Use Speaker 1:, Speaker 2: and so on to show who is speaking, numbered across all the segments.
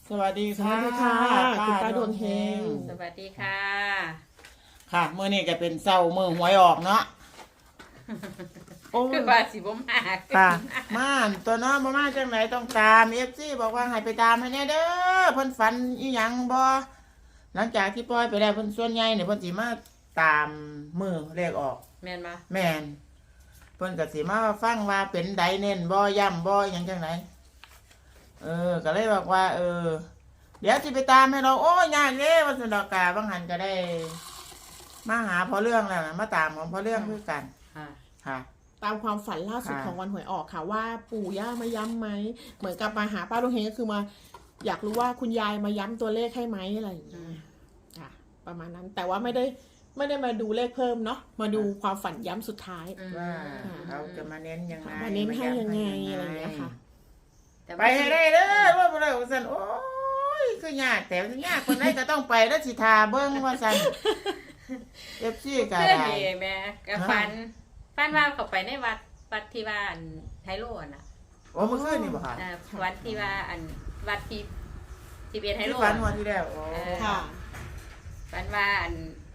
Speaker 1: สวัสดีค่ะ
Speaker 2: คุณป้าดวงเฮง
Speaker 3: สวัสดีค่ะ
Speaker 1: ค่ะเมื่อนี้ก็เป็นเศร้าเมื่อหวยออกเนาะโอ้
Speaker 3: คือว่าสิบ่มาก
Speaker 1: ค่ะมาตัวน้องมาจังไหนต้องตามFCบอกว่าให้ไปตามให้แน่เด้อเพิ่นฝันอีหยังบ่หลังจากที่ปล่อยไปแล้วเพิ่นส่วนใหญ่เนี่ยเพิ่นสิมาตามมือเลขออก
Speaker 3: แม่นบ่
Speaker 1: แม่นเพิ่นก็สิมาฟังว่าเป็นใดเน้นบ่ย่ำบ่หยังจังไหนก็เลยบอกว่า เดี๋ยวสิไปตามให้เราโอ้ยยากเด้ว่าซั่นดอกกาบางหันก็ได้ มาหาพอเรื่องแล้วนะมาตามของพอเรื่องคือกัน
Speaker 3: ค่ะ
Speaker 1: ค่ะ
Speaker 2: ตามความฝันล่าสุด
Speaker 1: ค่ะ
Speaker 2: ของวันหวยออกค่ะว่าปู่ย่ามาย้ำไหมเหมือนกับมาหาป้าดวงเฮงก็คือมา อยากรู้ว่าคุณยายมาย้ำตัวเลขให้ไหมอะไรอย่างเงี้ยค่ะ ประมาณนั้น แต่ว่าไม่ได้มาดูเลขเพิ่มเนาะมาดูความฝันย้ำสุดท้าย
Speaker 1: ว่าเขาจะมาเน้นยังไง
Speaker 2: มาเน้นให้ยังไงอะไรอย่างเงี้ยค่ะ
Speaker 3: แต่
Speaker 1: ไปให้ได้เด้อว่าบ่ได้ว่าซั่นโอ้ยคือยากแต่ยากคนใดก็ต้องไปแล้วสิทาเบิ่งว่าซั่น FC ก็
Speaker 3: เพื่อน
Speaker 1: ได้
Speaker 3: นี่แม่ก็ฝันว่าเขาไปในวัดที่ว่าอันไทโลน่ะ
Speaker 1: โอ้เมื่อคืนนี่บ่ค่ะ
Speaker 3: วัดที่ว่าอันวัดที่เป็นไทโล
Speaker 1: ที่ฝันวันที่แล้วโอ้
Speaker 2: ค่ะ
Speaker 3: ฝันว่าอัน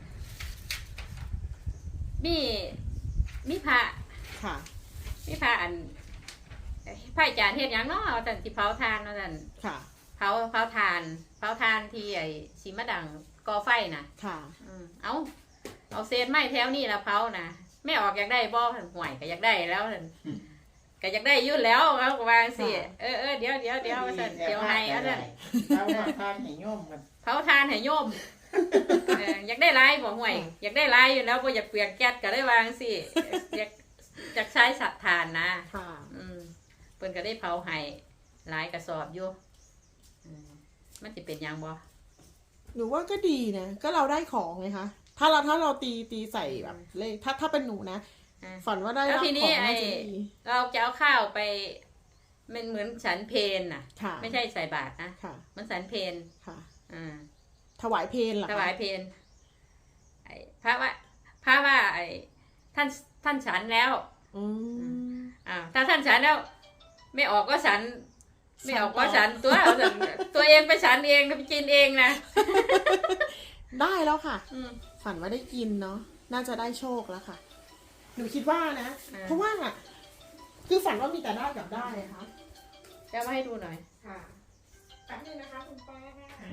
Speaker 3: มีพระ
Speaker 2: ค่ะ
Speaker 3: มีพระอันพระอาจารย์เฮ็ดหยังเนาะว่าซั่นสิเผาทานว่าซั่น
Speaker 2: ค่ะ
Speaker 3: เผาทานที่ไอ้สีมะดังก่อไฟน่ะ
Speaker 2: ค่ะ
Speaker 3: เอาเศษไม้แถวนี้ละเผานะไม่ออกอยากได้บ่ห่วยก็อยากได้แล้วนั่นก็อยากได้อยุ่นแล้วเขาก็วางสิเดี๋ยวว่าซั่นเดี๋ยวให้เอาซั่น
Speaker 1: เอามาทานให้โยมกัน
Speaker 3: เผาทานให้โยมอยากได้หลายบ่ห่วย อยากได้หลายอยู่แล้วบ่อยากเปลืองแก๊สก็ได้วางสิอยากใช้สัตว์ทานนะ
Speaker 2: ค่ะ
Speaker 3: เพิ่นก็ได้เผาให้หลายกระสอบอยู่มันสิเป็นหยังบ่
Speaker 2: หนูว่าก็ดีนะก็เราได้ของไงคะถ้าเราตีใส่แบบเลขถ้าเป็นหนูนะฝันว่าได้
Speaker 3: แล้ว
Speaker 2: รับ
Speaker 3: ที
Speaker 2: ข
Speaker 3: นี้
Speaker 2: อง
Speaker 3: ไอ้
Speaker 2: น่าจะดี
Speaker 3: เราจะเอาข้าวไปมันเหมือนฉันเพนน่ะ
Speaker 2: ค่ะ
Speaker 3: ไม่ใช่ใส่บาตรนะ
Speaker 2: ค่ะ
Speaker 3: มันฉันเพน
Speaker 2: ค่ะ
Speaker 3: อ่า
Speaker 2: ถวายเพลเหรอคะ
Speaker 3: ถวายเพนไอ้พระว่าไอ้ท่านฉันแล้ว
Speaker 2: อืม
Speaker 3: ถ้าท่านฉันแล้ว ไม่ออกก็ฉัน ไม่ออกก็ฉันตัวเองไปฉันเองไปกินเองนะ
Speaker 2: ได้แล้วค่ะ
Speaker 3: อืม
Speaker 2: ฝันว่าได้กินเนาะน่าจะได้โชคแล้วค่ะ หนูคิดว่านะ เพราะว่าคือฝันว่ามีแต่ได้กับได้นะคะ
Speaker 3: จะมาให้ดูหน่อย
Speaker 2: ค่ะแป๊บนึงนะคะคุณป้า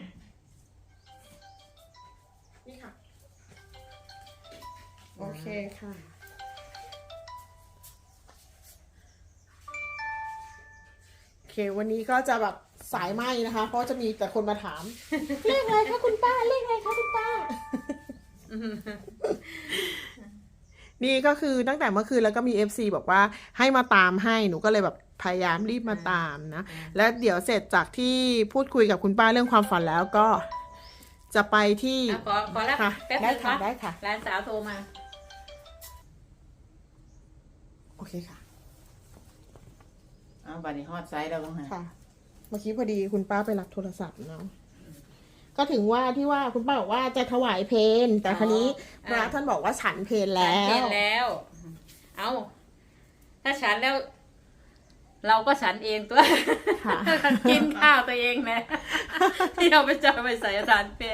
Speaker 2: นี่ค่ะ โอเคค่ะ โอเค วันนี้ก็จะแบบสายไหมนะคะ เพราะจะมีแต่คนมาถาม เลขอะไรคะคุณป้า เลขอะไรคะคุณป้า นี่ก็คือตั้งแต่เมื่อคืนแล้วก็มี FC บอกว่าให้มาตามให้หนูก็เลยแบบพยายามรีบมาตามนะ แล้วเดี๋ยวเสร็จจากที่พูดคุยกับคุณป้าเรื่องความฝันแล้วก็ จะไปที่
Speaker 3: ขอรับ
Speaker 2: ค่ะ
Speaker 3: แป๊บ
Speaker 2: ได้
Speaker 3: นึง
Speaker 2: ค่ะ
Speaker 3: นะ
Speaker 2: ได้ค่ะ
Speaker 3: ร้านสาวโทรมา
Speaker 2: โอเคค่ะ
Speaker 1: เอาบัดนี้ฮอดไซส์แล้วบ้างฮะ
Speaker 2: ค่ะ เมื่อกี้พอดีคุณป้าไปรับโทรศัพท์เนาะก็ถึงว่าที่ว่าคุณป้าบอกว่าจะถวายเพลแต่คราวนี้พระท่านบอกว่าฉันเพลแล้
Speaker 3: ฉันเพ
Speaker 2: ว
Speaker 3: นแล้ว เอาถ้าฉันแล้ว เราก็ฉันเองตัว
Speaker 2: ค่ะ
Speaker 3: กินข้าวตัวเองนะ ที่เราไปเจอไปใส่อาจารย์เป็น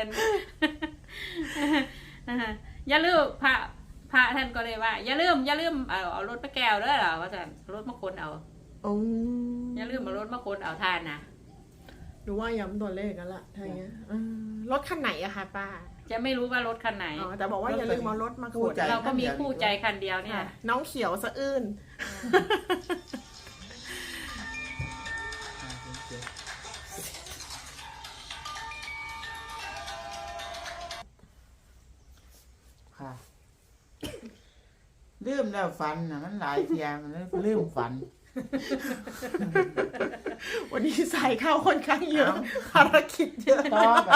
Speaker 3: อย่าลืมพระท่านก็เลยว่า อย่าลืมเอารถมาแก้วเด้อเหรอว่าจะรถมาคนเอา
Speaker 2: อืม
Speaker 3: อย่าลืมเอารถมาคนเอาทานนะ
Speaker 2: หนูว่าย้ำตัวเลขกันละถ้าอย่างเงี้ยรถคันไหนอะคะป้า
Speaker 3: จะไม่รู้ว่ารถคันไหน
Speaker 2: อ๋อแต่บอกว่าอย่าลืมเอารถมาขน
Speaker 3: เราก็มีคู่ใจคันเดียวเนี่ย
Speaker 2: ค่ะน้องเขียวสะอื้น
Speaker 1: ค่ะลืมแล้วฝันนะมันหลายเทียมันเลยลืมฝัน
Speaker 2: วันนี้ใส่ข้าวค่อนข้างเยอะภารกิจเยอะ
Speaker 1: ต่อไป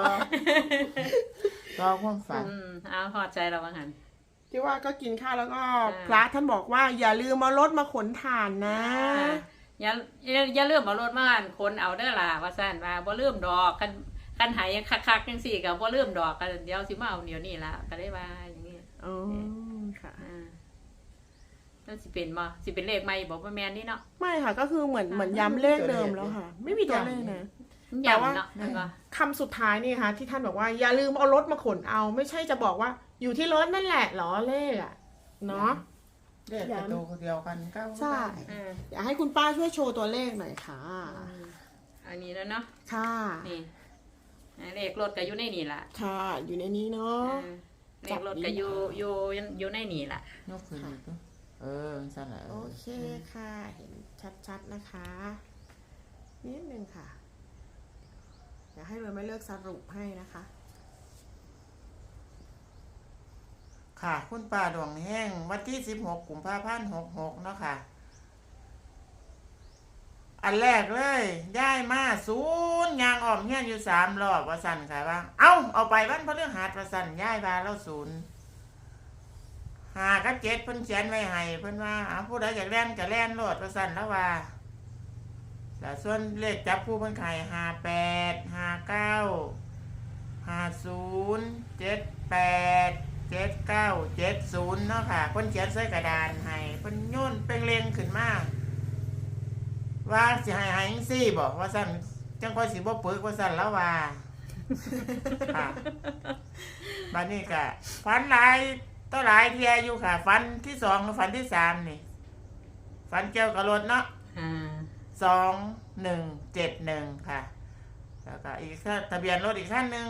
Speaker 1: ต่อความฝัน
Speaker 3: เอาหอดใจเราบ้างหัน
Speaker 2: ที่ว่าก็กินข้าวแล้วก็
Speaker 3: อ่า
Speaker 2: พระท่านบอกว่าอย่าลืมเอารถมาขนถ่านนะ
Speaker 3: อย่าลืมเอารถมาคนเอาเด้อล่ะว่าซั่นว่าบ่ลืมดอกคันหายยังคักๆจังซี่ก็บ่ลืมดอกกันเดี๋ยวสิมาเอาเดี๋ยวนี้ล่ะก็ได้ว่าอย่างนี้
Speaker 2: อ๋อค่ะ
Speaker 3: แล้วสิเป็นบ่สิเป็นเลขใหม่บ่ว่าแม่นนี่เนาะ
Speaker 2: ไม่ค่ะก็คือเหมือนย้ำเลขเดิมแล้วค่ะ ไม่มีตัวเลขนะแต่ว่า
Speaker 3: ย่ำเนาะมันก็
Speaker 2: คำสุดท้ายนี่ค่ะที่ท่านบอกว่าอย่าลืมเอารถมาขนเอา ไม่ใช่จะบอกว่าอยู่ที่รถนั่นแหละเหรอเลขอะเนาะ
Speaker 1: เลขประตูเดียวกันเก้า
Speaker 2: ใช่ อยากให้คุณป้าช่วยโชว์ตัวเลขหน่อยค่ะ
Speaker 3: อันนี้แล้วเนาะ
Speaker 2: ค่ะ
Speaker 3: นี่เลขรถก็อยู่ในนี่ล่ะ
Speaker 2: ค่ะ อยู่ในนี้เนาะ
Speaker 3: เลขรถก็อยู่ในนี่ล่ะ
Speaker 1: ยกขึ้นอีกตัวสั่นแหละ
Speaker 2: โอเคค่ะ เห็นชัดๆนะคะ นิดนึงค่ะอยากให้เราไม่เลิกสรุปให้นะคะ
Speaker 1: ค่ะ คุณป้าดวงแห้งวันที่16 กุมภาพันธ์66เนาะค่ะ อันแรกเลยย้ายมาศูนย์ยางออมเฮียนอยู่3 รอบว่าสั่นค่ะว่าเอาไปวันพฤหัสว่าสั่นย้ายมาแล้วศูนย์5 กับ 7เพิ่นเขียนไว้ให้เพิ่นว่าผู้ใดอยากแล่นก็แล่นโลดว่าสั่นแล้วว่าแต่ส่วนเลขจับคู่เพิ่นขาย58 59 50 78 79 70เนาะค่ะเพิ่นเขียนใส่กระดานให้เพิ่นโยนเป็นเลงขึ้นมาว่าสิให้จังซี่บ่ว่าซั่นจังค่อยสิบ่ปึกว่าซั่นแล้วว่าค่ะบัดนี้ก็ฝันหลายต่อหลายเที่ยอยู่ค่ะฝันที่2กับฝันที่3นี่ฝันเกี่ยวกับรถเนาะ2171ค่ะแล้วก็อีกทะเบียนรถอีกคันนึง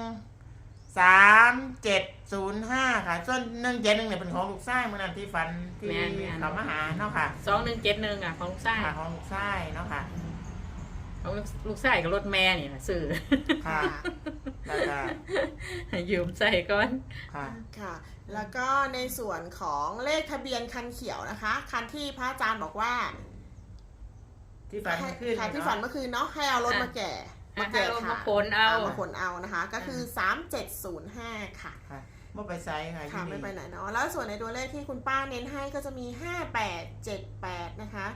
Speaker 1: 3705ค่ะส่วน171เนี่ยเป็นของลูกชายมื้อนั้นที่ฝันที่เขามาหาเนาะค่ะ
Speaker 3: 2171อ่ะของลูกชาย
Speaker 1: ค่ะของลูกชายเนาะค่ะ
Speaker 3: ของลูกชายกับรถแม่นี่นะซื้อ
Speaker 1: ค่ะแล้วก็
Speaker 3: ยืมใส่ก่อน
Speaker 1: ค่ะ
Speaker 2: ค่ะ แล้วก็ในส่วนของเลขทะเบียนคันเขียวนะคะ คันที่พระอาจารย์บอกว่า
Speaker 1: ที่ฝันขึ้น
Speaker 2: ค่ะที่ฝันเมื่อคืนเนาะให้เอารถมาแก่
Speaker 3: ให้รถมาขนเอา
Speaker 2: มาขนเอานะคะ ก็คือ3705ค่ะ
Speaker 1: ค่ะไม่ไปไซส์ค่ะ
Speaker 2: ค่ะไม่ไปไหนเนาะแล้วส่วนในตัวเลขที่คุณป้าเน้นให้ก็จะมี5878นะคะ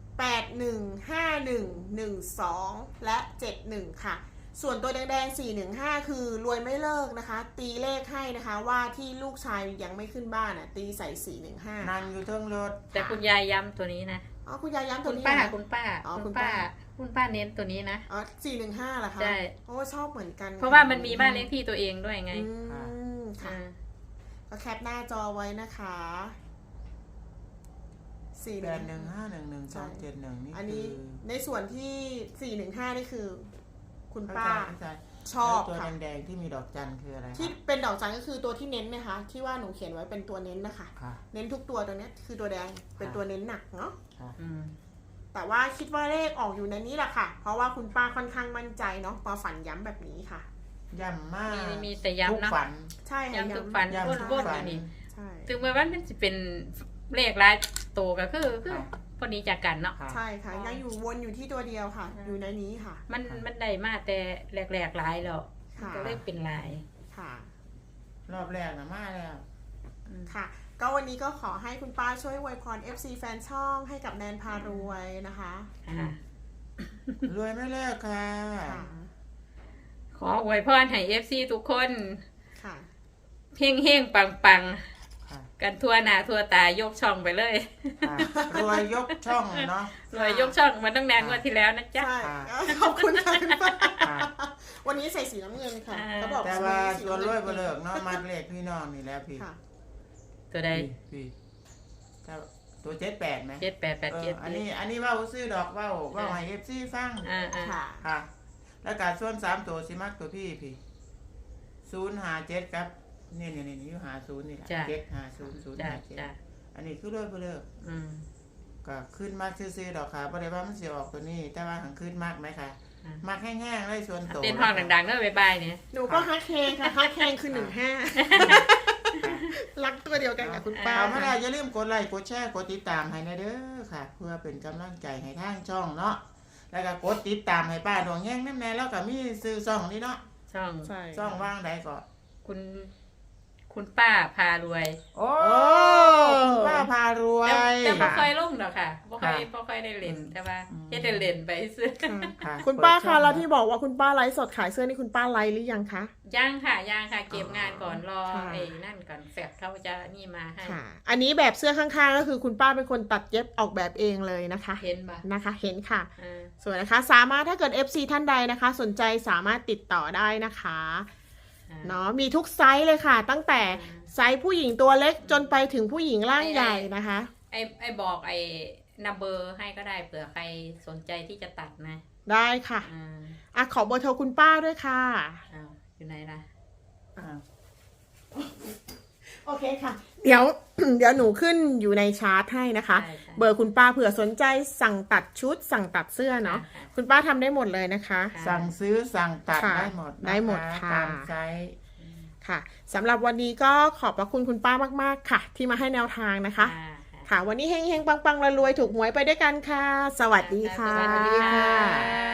Speaker 2: 815112และ71ค่ะส่วนตัวแดงๆ415คือรวยไม่เลิกนะคะ ตีเลขให้นะคะว่าที่ลูกชายยังไม่ขึ้นบ้านอ่ะตีใส่415
Speaker 1: นั่งอยู่เทิงรถ
Speaker 3: แต่คุณยายย้ำตัวนี้นะ
Speaker 2: อ๋อคุณยายย้ำตั
Speaker 3: คุ
Speaker 2: ว
Speaker 3: ณ
Speaker 2: นี้
Speaker 3: ป้า
Speaker 2: เหรอ
Speaker 3: คุณป้า
Speaker 2: อ๋อ
Speaker 3: คุณป้า คุณป้าเน้นตัวนี้นะ
Speaker 2: อ๋อ415เหรอคะ
Speaker 3: ใช่
Speaker 2: โอ้ชอบเหมือนกัน
Speaker 3: เพราะว่ามันมีบ้านเลขที่ตัวเองด้วยไง
Speaker 2: ค่ะ ก็แคปหน้าจอไว้นะคะ
Speaker 1: 81511271นี่
Speaker 2: อัน
Speaker 1: คื
Speaker 2: นี้
Speaker 1: อ
Speaker 2: ในส่วนที่415นี่คือ คุณ
Speaker 1: เข้า
Speaker 2: ป้า
Speaker 1: ใจ
Speaker 2: ชอบ
Speaker 1: แล้วตัว
Speaker 2: ค่ะ
Speaker 1: แดงๆที่มีดอกจันคืออะไรคะ
Speaker 2: ที่เป็นดอกจันก็คือตัวที่เน้นนะคะที่ว่าหนูเขียนไว้เป็นตัวเน้นนะคะ
Speaker 1: ค่ะ
Speaker 2: เน้นทุกตัวตัวเนี้ยคือตัวแดงเป็นตัวเน้นหนักเนาะ
Speaker 1: ค่ะ
Speaker 2: แต่ว่าคิดว่าเลขออกอยู่ในนี้แหละค่ะ เพราะว่าคุณป้าค่อนข้างมั่นใจเนาะพอฝันย้ำแบบนี้ค่ะ
Speaker 1: ย่ำมาก
Speaker 3: มีแต่
Speaker 1: ทุก
Speaker 3: ย้ำเนาะ
Speaker 1: ฝัน
Speaker 2: ใช่ค่ะ
Speaker 3: ย้ำทุกฝัน
Speaker 1: ย้ำทุก
Speaker 3: วน
Speaker 1: ฝั
Speaker 3: ๆนี่
Speaker 2: ใช่
Speaker 3: ถึงแม้ว่ามันจะเป็นเลขหลายตัวก็คือพอดีจากกันเนาะ
Speaker 1: ค่ะ
Speaker 2: ใช่ค่ะยังอยู่วนอยู่ที่ตัวเดียวค่ะ อยู่ในนี้ค่ะ
Speaker 3: มันได้มาแต่แรกๆหลายแล้ว
Speaker 2: ค่ะ
Speaker 3: ก็เลยเป็นหลาย
Speaker 2: ค่ะ
Speaker 1: รอบแรกนะมาแล้ว
Speaker 2: ค่ะ ก็วันนี้ก็ขอให้คุณป้าช่วยอวยพร FC แฟนช่องให้กับแนนพารวยนะคะ
Speaker 3: ค่ะ
Speaker 1: รวยไม่เลิกค่ะ
Speaker 2: ค่ะ
Speaker 3: ขออวยพรให้ FC ทุกคน
Speaker 2: ค่ะ
Speaker 3: เฮงๆปัง
Speaker 1: ค่ะ
Speaker 3: ๆกันทั่วหน้าทั่วตายกช่องไปเลย
Speaker 1: ค่ะรวยยกช่องเนาะ
Speaker 3: รวยยกช่องมาตั้งนานกว่าที่แล้วนะจ๊ะ
Speaker 2: ใช่
Speaker 1: ค่ะ
Speaker 2: ขอบคุณค่ะคุณป้า
Speaker 1: ค่ะ
Speaker 2: วันนี้ใส่สีน้ำเงินค่ะ
Speaker 3: อ่า
Speaker 2: เขาบอก
Speaker 1: แต่ว่าส่วนรวยบ่เลิกเนาะมัดเลขพี่น้องนี่แหล้วพี่
Speaker 2: ค่ะ
Speaker 3: ตัวใด
Speaker 1: พี่ถ้าตัว78ไหม
Speaker 3: 7887
Speaker 1: อันนี้ว่าซื้อดอกว่าให้ FC ฟัง
Speaker 2: ค่ะ
Speaker 1: ค่ะ แล้วก็ส่วน3ตัวสิมักตัวพี่057ครับนี่อยู่50นี่แหละ
Speaker 3: จ้ะ
Speaker 1: 750
Speaker 3: จ้ะ
Speaker 1: 057อันนี้คือรวยบ่เลิก
Speaker 3: อืม
Speaker 1: ก็ขึ้นมากซื่อๆดอกค่ะบ่ได้ว่ามันสิออกตัวนี้ แต่ว่าหังขึ้นมากไหมคะมากแห้งๆเลยส่วนตัว
Speaker 3: เต้นห้องดังๆเด้อบ๊ายบายเนี่ย
Speaker 2: หนูก็ฮักแฮงค่ะฮักแฮงคือรักตัวเดียวกันกับคุณป้า
Speaker 1: เอามาแล้วอย่าลืมกดไลค์กดแชร์กดติดตามให้นะเด้อค่ะ เพื่อเป็นกำลังใจให้ทางช่องเนาะแล้วก็กดติดตามให้ป้าดวงแห้งนั่นแน่แล้วก็มีซื้อช่องนี่เนาะ
Speaker 3: ช่อง
Speaker 2: ใช่
Speaker 1: ช่องว่างใดก็
Speaker 3: คุณป้าพารวย
Speaker 1: โอ้ป้าพารวย
Speaker 3: แต่บ่เคยลงดอกค่ะบ่ค่อยได้เล่นแต่ว่าเฮ็ดได้เล่นไปซื้อ
Speaker 1: ค่ะ
Speaker 2: คุณป้า
Speaker 1: เปิดช่
Speaker 2: คะ
Speaker 1: อง
Speaker 2: แล้วที่บอกว่าคุณป้าไลฟ์สดขายเสื้อนี่คุณป้าไลฟ์หรือยังคะ
Speaker 3: ยังค่ะเก็บงานก่อนรอ
Speaker 2: ค่ะ
Speaker 3: ไอ้นั่นก่อนแฟบเขาจะนี่มาให้
Speaker 2: ค่ะ อันนี้แบบเสื้อข้างๆก็คือคุณป้าเป็นคนตัดเย็บออกแบบเองเลยนะคะ
Speaker 3: เห็นปะ
Speaker 2: นะคะ เห็นค่ะ
Speaker 3: อ่า
Speaker 2: ส่วนนะคะสามารถถ้าเกิด FC ท่านใดนะคะ สนใจสามารถติดต่อได้นะคะเนาะมีทุกไซส์เลยค่ะ ตั้งแต่ไซส์ผู้หญิงตัวเล็กจนไปถึงผู้หญิงร่างใหญ่นะคะ
Speaker 3: ไอ้บอกไอ้นัมเบอร์ให้ก็ได้เผื่อใครสนใจที่จะตัดนะ
Speaker 2: ได้ค่ะ อ่ะขอเบอร์โทรคุณป้าด้วยค่ะ
Speaker 3: อ้าวอยู่ไหนล่ะ
Speaker 1: อ่า
Speaker 2: โอเคค่ะ เดี๋ยว เดี๋ยวหนูขึ้นอยู่ในชาร์ตให้นะคะ
Speaker 3: ใช่ๆ
Speaker 2: เบอร์คุณป้าเผื่อสนใจสั่งตัดชุด สั่งตัดเสื้อเนาะ
Speaker 3: ค่ะ
Speaker 2: คุณป้าทำได้หมดเลยนะคะ
Speaker 3: ค่ะ
Speaker 1: สั่งซื้อสั่งตัด
Speaker 2: ค่ะ
Speaker 1: ได้หมดนะคะ
Speaker 2: ได้หมดค่ะ
Speaker 1: ตามไซส์
Speaker 2: ค่ะสำหรับวันนี้ก็ขอบพระคุณคุณป้ามากๆค่ะ ที่มาให้แนวทางนะคะ ค่ะ วันนี้เฮงๆปังๆรวยๆถูกหวยไปด้วยกันค่ะ สวัสดีค่ะ
Speaker 3: สวัสดีค่ะ